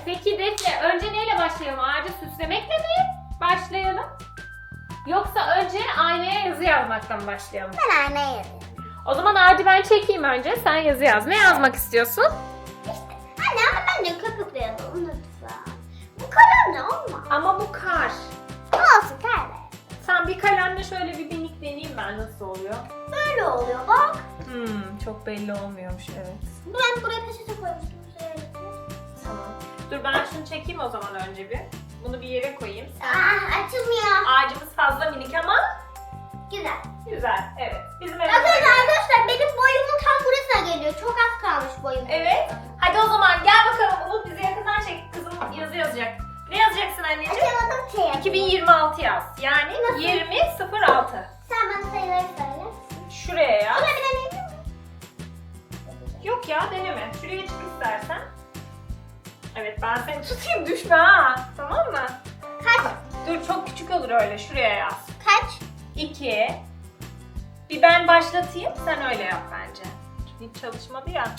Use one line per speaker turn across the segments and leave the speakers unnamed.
Peki Defne, önce neyle başlayalım? Ağacı süslemekle mi başlayalım? Yoksa önce aynaya yazı yazmaktan mı başlayalım?
Ben aynaya yazıyorum.
O zaman ağacı ben çekeyim önce. Sen yazı yaz. Ne yazmak istiyorsun?
Anne ama ben de köpükle yazalım lütfen. Bu kalemle olmaz.
Ama bu kar.
Olsun kalem.
Sen bir kalemle şöyle bir minik deneyeyim ben nasıl oluyor.
Böyle oluyor bak.
Çok belli olmuyormuş evet.
Ben buraya peçete koymuştum.
Tamam. Dur ben şunu çekeyim o zaman önce bir. Bunu bir yere koyayım.
Açılmıyor.
Ağacımız fazla minik ama
Güzel.
güzel. Evet. Bizim
Bakın
evimizde.
arkadaşlar benim boyumun tam burasına geliyor. Çok az kalmış boyum.
Evet. Hadi o zaman gel bakalım Umut bizi yakından çek. Kızım yazı yazacak. Ne yazacaksın anneciğim?
Açamadım şey.
2026 yaz. Yani
Nasıl?
2006.
Sen bana sayıları söyle.
Şuraya yaz.
Buna bir deneyim mi?
Yok ya deneme. Şuraya çık istersen. Evet ben seni tutayım düşme ha. Tamam mı?
Kaç?
Dur çok küçük olur öyle. Şuraya yaz.
Kaç?
2. Bir ben başlatayım. Sen öyle yap bence. Hiç çalışmadı ya.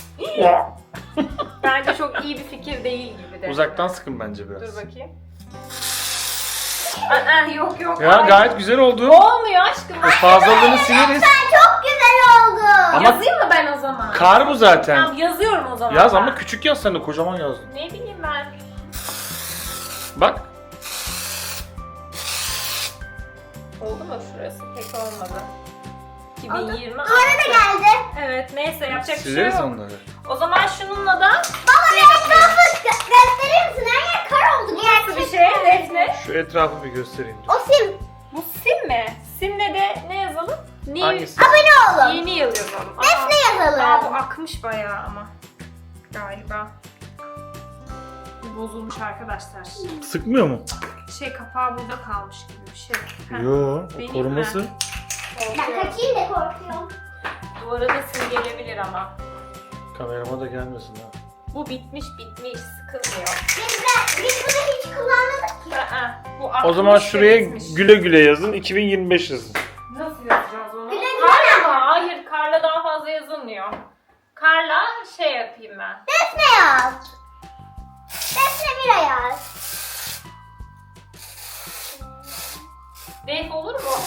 Bence çok iyi bir fikir değil gibi de.
Uzaktan sıkın bence biraz.
Dur bakayım. Aa, yok yok.
Ya
Hayır.
gayet güzel oldu.
Olmuyor aşkım.
O fazlalığını sileriz.
Sen çok güzel oldu.
Ama-
Yazayım mı ben o zaman?
Kar bu zaten.
Tamam yazıyorum o zaman.
Yaz
ben.
ama küçük yaz sen de kocaman yazdın.
Ne bileyim ben.
Bak.
Oldu mu şurası? Pek olmadı. 2020.
Duvara da geldi.
Evet neyse yapacak bir şey
Sileriz
yok.
onları.
O zaman şununla da
Baba bir etrafı gösterir misin? Her yer kar oldu.
nasıl bir şey Defne?
Şu etrafı bir göstereyim.
O sim.
Bu sim mi? Simle de ne yazalım?
Hangisi?
Abone olun.
Yeni yıl yazalım.
Defne yazalım.
Aa, bu akmış bayağı ama. Galiba. Bozulmuş arkadaşlar.
Sıkmıyor mu?
Şey kapağı burada kalmış gibi bir şey. Heh.
Yo,
Benim
o koruması.
mi?
Ben kaçayım da korkuyorum.
Duvara da sim gelebilir ama.
Kamerama da gelmesin ha.
Bu bitmiş sıkılmıyor.
Biz bunu hiç kullanmadık ki.
Aa, bu
O
akmış
zaman
ve
şuraya
bitmiş.
güle güle yazın. 2025 yazın.
Nasıl yazacağız onu?
Güle güle.
Karla mı? Hayır karla daha fazla yazılmıyor. Karla şey yapayım ben.
Defne yaz. Defne Mira yaz.
Def olur mu?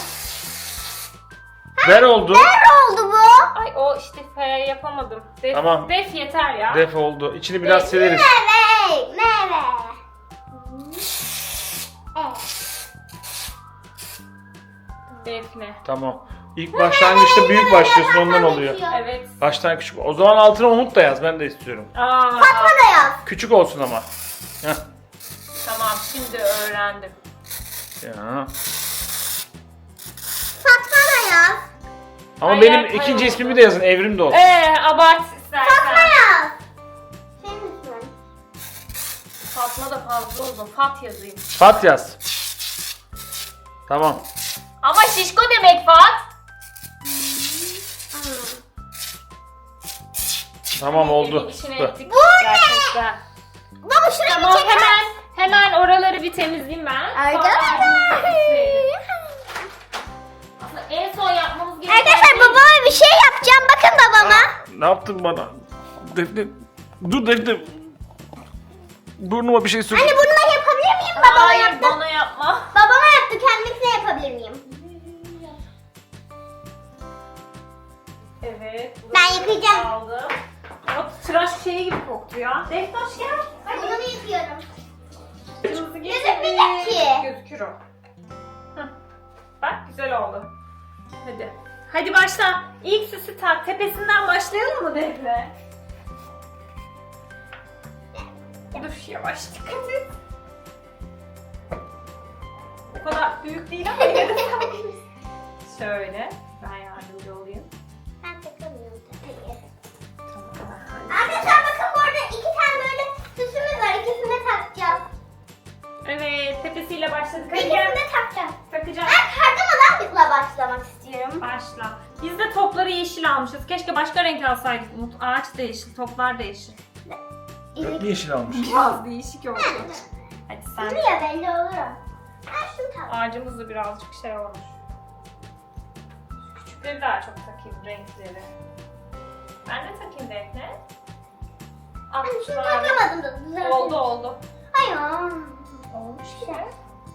Ver oldu.
Ne oldu bu?
Ay o işte F yapamadım. Def,
Tamam.
Def yeter ya.
Def oldu. İçini biraz
Def.
sileriz.
Meyve. Meyve.
Defne.
Tamam. İlk başlangıçta büyük başlıyorsun ondan oluyor.
Evet.
Baştan küçük. O zaman altına Umut da yaz. Ben de istiyorum.
Aa,
Fatma da yaz.
Küçük olsun ama. Heh.
tamam şimdi öğrendim.
Ya.
Fatma da yaz.
Ama
Ay,
benim
ay,
ikinci
oldu.
ismimi de yazın. Evrim de olsun.
Abart istersen.
Fatma yaz. Senin ismin.
Fatma da fazla uzun. Fat yazayım.
Fat yaz. Tamam.
Ama şişko demek Fat.
Tamam oldu.
İşine
Dur.
ettik gerçekten.
Baba şuraya
Tamam
bir çeker.
hemen oraları bir temizleyeyim ben.
Arkadaşlar.
Aslında en son yapmamız gereken
Arkadaşlar babama bir şey yapacağım. Bakın babama.
Ne yaptın bana? Defne. Dur Defne. Burnuma bir şey sür.
Anne burnuma yapabilir miyim? Babama
Hayır
yaptı.
bana yapma.
Babama yaptı. Kendisine yapabilir miyim?
Evet.
Ben yıkayacağım.
Aldım. O tıraş şeyi gibi koktu ya. Deftaş gel. Hadi.
Bunu yıkıyorum.
Kırmızı
Gözükmeyecek ki.
Gözükür o. Hah. Bak güzel oldu. Hadi. Hadi başla. İlk süsü tak. Tepesinden başlayalım mı Defne? Dur yavaş dikkat et. O kadar büyük değil ama yine de yapabiliriz. Şöyle. Ben yardımcı olayım.
Ben takamıyorum tabii.
Tamam.
Arkadaşlar bakın bu arada iki tane böyle süsümüz var. İkisini de takacağız.
Evet tepesiyle başladık. Hadi gel.
İkisini de takacağım.
Takacağım.
Ben kardamadan başlamak istiyorum.
Başla. Biz de topları yeşil almışız. Keşke başka renk alsaydık Umut. Ağaç da yeşil, toplar da yeşil.
Hep yeşil almış.
Biraz değişik oldu. Hadi sen.
Buraya belli olur o. Ben şunu tak.
Ağacımız da birazcık şey olmuş. Küçükleri daha çok takayım, renkleri. Ben de takayım Defne. Ah,
Hani şunu
şunlar-
takamadım da düzelttim.
Oldu.
Hayır.
Olmuş
Güzel.
gibi.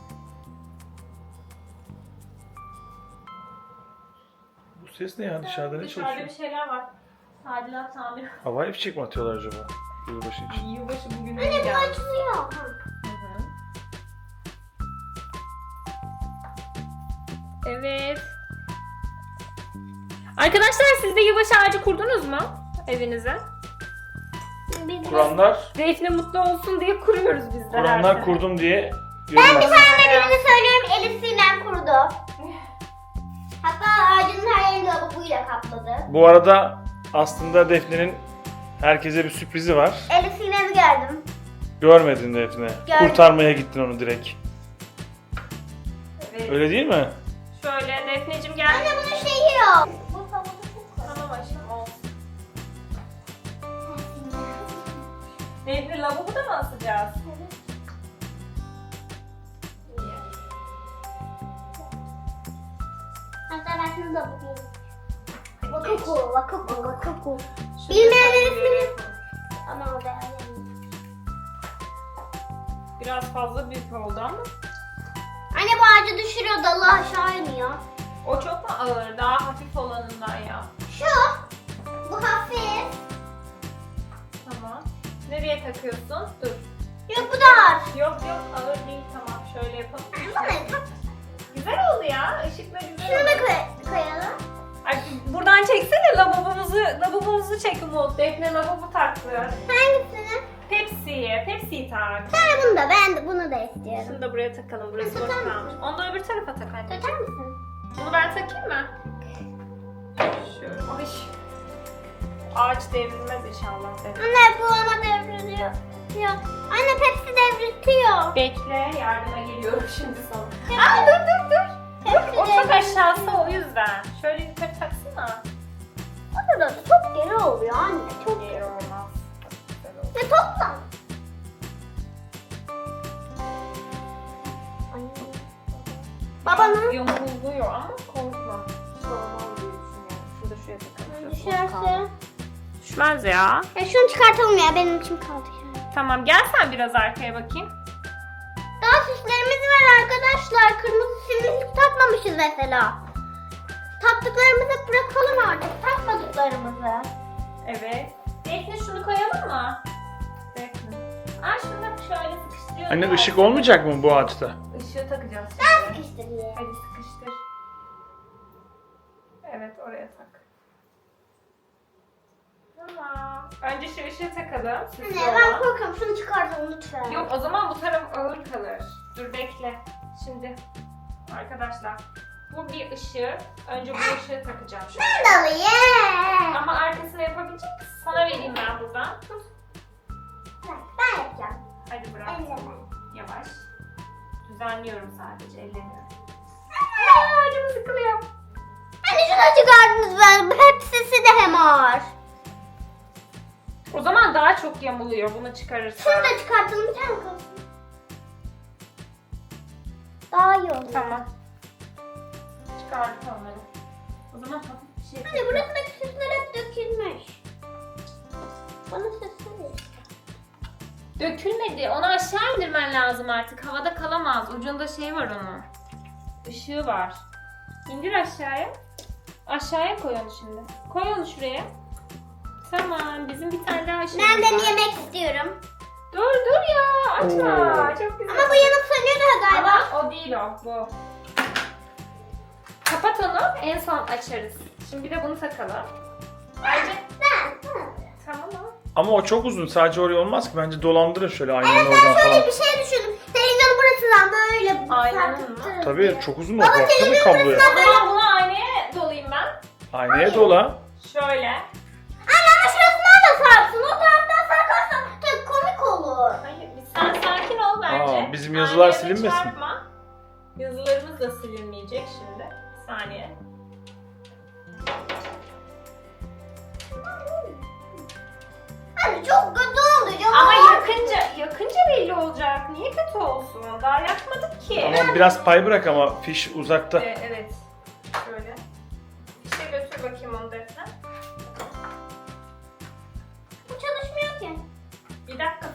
Bu ses ne ya? Dışarıda ne
Dışarıda
çalışıyor?
bir şeyler var. Tadilat tamir.
Havai fişek mi atıyorlar acaba? Yılbaşı için.
Yılbaşı bugün
Anne bu
geldi.
açılıyor.
Hı hı. Evet. Arkadaşlar siz de yılbaşı ağacı kurdunuz mu evinize?
Kuranlar,
Defne mutlu olsun diye kuruyoruz biz de her
kuranlar
sene.
kurdum diye
Ben
yorum
bir
at.
tane birini söylüyorum. Elif Sinem kurdu. Hatta ağacın her yerini lavabuyla kapladı.
Bu arada aslında Defne'nin herkese bir sürprizi var.
Elif Sinem'i gördüm.
Görmedin Defne.
Gördüm.
Kurtarmaya gittin onu direkt.
Evet.
Öyle değil mi?
Şöyle Defneciğim gel.
Anne bunun şeyi yok. Bu havada çok var.
Tamam aşkım olsun. Defne lavabo da mı asacağız? İyi.
Hatta ben şunu da bakayım.
Hadi geç.
Vakuku.
Şunu
Bilmeyenler
şöyle
ismini-
yapalım.
Ama o da yani.
Biraz fazla büyük oldu ama.
Anne bu ağacı düşürüyor, dalı aşağı iniyor.
O çok mu ağır? Daha hafif olanından ya.
Şu. Bu hafif.
Tamam. Nereye takıyorsun? Dur.
Yok bu da ağır.
Yok ağır değil, tamam. Şöyle yapalım.
Bana tak.
Güzel oldu ya. Işıkla güzel
Şunu
oldu.
da koyalım.
Ay, buradan çeksene lavabomuzu çek Umut. Defne lavabo taktı.
Hangisini?
Pepsi'yi tak.
Sen bunu da, ben de bunu da istiyorum.
Şunu da buraya takalım. Burası boş
Tutar mısın?
kalmış. Onu da öbür tarafa tak anne.
Tutar mısın?
Bunu ben takayım mı? Şöyle. Ay. Ağaç devrilmez inşallah. Defne.
Anne bu ona devriliyor. Yok. Anne Pepsi devriltiyor.
Bekle, yardıma geliyorum şimdi sana.
Pepsi-
Aa dur.
Pepsi
O çok
devriltiyor.
aşağısı o yüzden. Şöyle yukarı taksana.
O da çok geri oluyor anne. Çok
Yer olmaz. Güzel oldu.
Ne topla. Babanın
Yamuluyor ama korkma. Hiç olmaz diye düşünüyorum. Şurada şuraya takalım.
düşerse.
Düşmez ya.
Ya şunu çıkartalım ya, benim içim kaldı şu an.
Tamam gel sen biraz arkaya bakayım.
Daha süslerimiz var arkadaşlar. Kırmızı simlik takmamışız mesela. Taktıklarımızı bırakalım artık. Takmadıklarımızı.
Evet. Defne şunu koyalım mı? Defne. Aa şunu da şöyle sıkıştırıyoruz.
Anne ışık olmayacak mı bu ağaçta?
Işığı takacağız
Ben
şimdi.
sıkıştırayım.
Hadi sıkıştır. Evet oraya tak. Tamam. Önce şu ışığı takalım. Süslü
Anne ben
olan.
korkuyorum. Şunu çıkartalım lütfen.
Yok o zaman bu taraf ağır kalır. Dur bekle. Şimdi arkadaşlar bu bir ışık. Önce bu ışığı takacağım şöyle.
Ben de alayım.
Ama arkasını yapabilecek misin? Sana vereyim ben buradan. Tut.
Ben yapacağım.
Hadi bırak.
Elleme.
Yavaş. Düzenliyorum sadece. Ellemiyorum. Ay canım sıkılıyor.
Anne şunu çıkardınız ben. Hepsisi de hem ağır.
O zaman daha çok yamuluyor. Bunu çıkarırsan.
Şunu da çıkartalım. Bir tane kalsın. Daha iyi olur.
Tamam. Çıkardık onları. O zaman hafif bir şey.
Anne burasındaki süsler hep dökülmüş. Bana süsler ver.
Dökülmedi. Onu aşağı indirmen lazım artık. Havada kalamaz. Ucunda şey var onun. Işığı var. İndir aşağıya. Aşağıya koy onu şimdi. Koy onu şuraya. Tamam. Bizim bir tane daha ışığımız
Ben de
var.
yemek istiyorum.
Dur ya. Açma.
Oo.
Çok güzel.
Ama bu yanıp sönüyor da galiba.
Ama o değil o. Bu. Kapat onu. En son açarız. Şimdi bir de bunu takalım. Ayrıca tamam mı?
Ama o çok uzun. Sadece oraya olmaz ki. Bence dolandırın şöyle aynanın
Evet
oradan
ben şöyle
falan.
bir şey düşündüm. Televizyonu burasından böyle
Aynen
sarkıttırırız
Tabii
diye.
çok uzun o.
Baba,
Baksana
televizyon
kabloya.
O zaman bunu aynaya dolayayım ben.
Aynaya dola.
Şöyle.
Anne ama şurasından da sarksın. O taraftan sarkarsan tabii komik olur.
Hayır, sen sakin ol bence.
Bizim yazılar
Aynaya da
silinmesin.
çarpma. Yazılarımız da silinmeyecek şimdi. Bir saniye.
Anne çok kötü oldu.
Ama yakınca belli olacak. Niye kötü olsun? Daha yakmadık ki.
Ama biraz pay bırak ama fiş uzakta.
Evet. Şöyle. İşte götür bakayım onu Defne.
Bu çalışmıyor ki.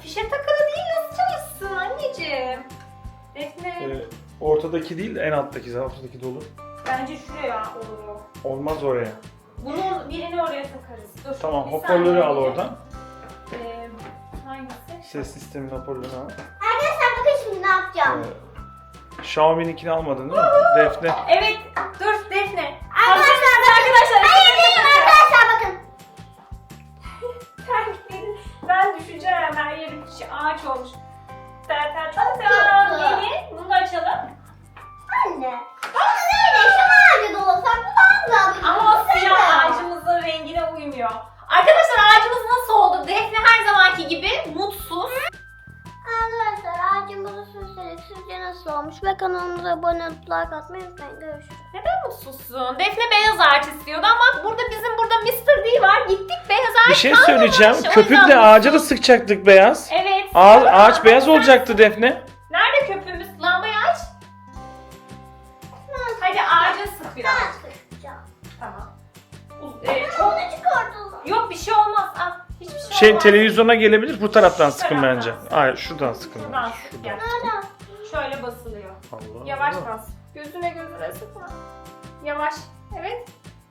Fişe takılı değil, nasıl çalışsın anneciğim? Defne.
Ortadaki değil de en alttaki. Zaten ortadaki dolu.
Bence şuraya olur o.
Olmaz oraya.
Bunu birini oraya takarız. Dur.
Tamam,
bir
hoparlörü
saniye.
al oradan.
Hangisi?
Ses sisteminin hoparlörünü al.
Arkadaşlar bakın şimdi ne yapacağım.
Xiaomi'ninkini almadın değil mi? Defne.
Evet, dur Defne.
Arkadaşlar
Arkadaşlar.
Hayır değilim arkadaşlar bakın.
Terliklerin, ben düşeceğim, her yerim ağaç olmuş. Zaten çok
Çok
da
kötü.
gelin, bunu da açalım.
Anne. Ama neyle şu ağacı dolasak bu daha güzel.
Ama o siyah ağacımızın rengine uymuyor. Arkadaşlar ağacımız nasıl oldu? Defne her zamanki gibi mutsuz.
Arkadaşlar ağacımızı süsledik. Sizce nasıl olmuş? Ve kanalımıza abone olup like atmayı unutmayın. Görüşürüz.
Neden mutsuzsun? Defne beyaz ağaç istiyordu ama burada bizim burada Mr. D var. Gittik beyaz ağaç
Bir şey
kalmamış.
söyleyeceğim.
O yüzden
Köpükle ağaca da sıkacaktık beyaz.
Evet.
Ağaç beyaz olacaktı Defne.
Nerede köpüğümüz? Lambayı aç. Hadi ağaca sık biraz.
Ben sıkacağım.
Tamam.
Onu çıkartalım.
Yok bir şey olmaz. Ah, hiçbir şey
Şey
olmaz.
televizyona gelebilir, bu taraftan
Şu
sıkın
taraftan
bence.
sık.
Hayır, şuradan sıkın.
Şuradan
bence.
sık
Şuradan.
ya.
Nereden?
Şöyle basılıyor.
Allah
Yavaş
Allah.
bas. Gözüne sıkma. Yavaş. Evet.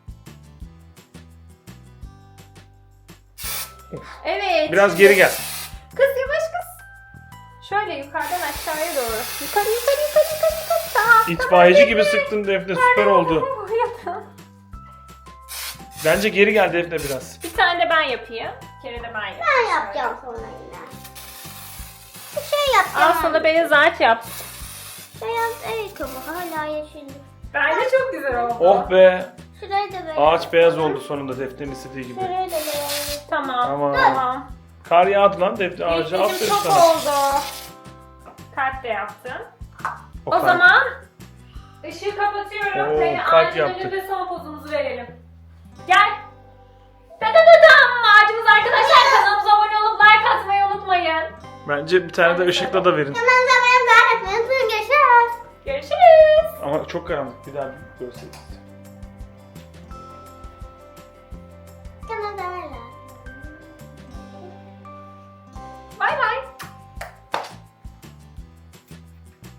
Evet.
Biraz geri gel.
Kız yavaş kız. Şöyle yukarıdan aşağıya doğru. Yukarı. Tamam.
İtfaiyeci gibi sıktın Defne, süper oldu.
Tamam.
Bence geri gel Defne biraz.
Bir tane de ben yapayım. Bir kere de ben yapayım.
Ben yapacağım sonra yine. Bir şey yapacağım.
Al sana beyaz ağaç yap.
Beyaz ayakkabı hala yeşildi.
Bence çok güzel oldu.
Oh be.
Şurayı da beyaz.
Ağaç beyaz oldu sonunda Defne'nin istediği gibi.
Şurayı da beyaz.
Tamam.
Tamam. Kar yağdı lan Defne ağaca.
Defneciğim
Aferin
çok
sana.
oldu. Kalp de yaptım. O
kalp.
zaman ışığı kapatıyorum.
Oo,
Seni
kalp
ağacın
yaptık.
önünde son pozumuzu verelim. Gel. Dadadadam. Ağacımız arkadaşlar, kanalımıza abone olup like atmayı unutmayın.
Bence bir tane de ışıkla da verin.
Hemen zaten ben etmeyi unutmayın. Görüşürüz.
Görüşürüz.
Ama çok karanlık, bir daha görseniz.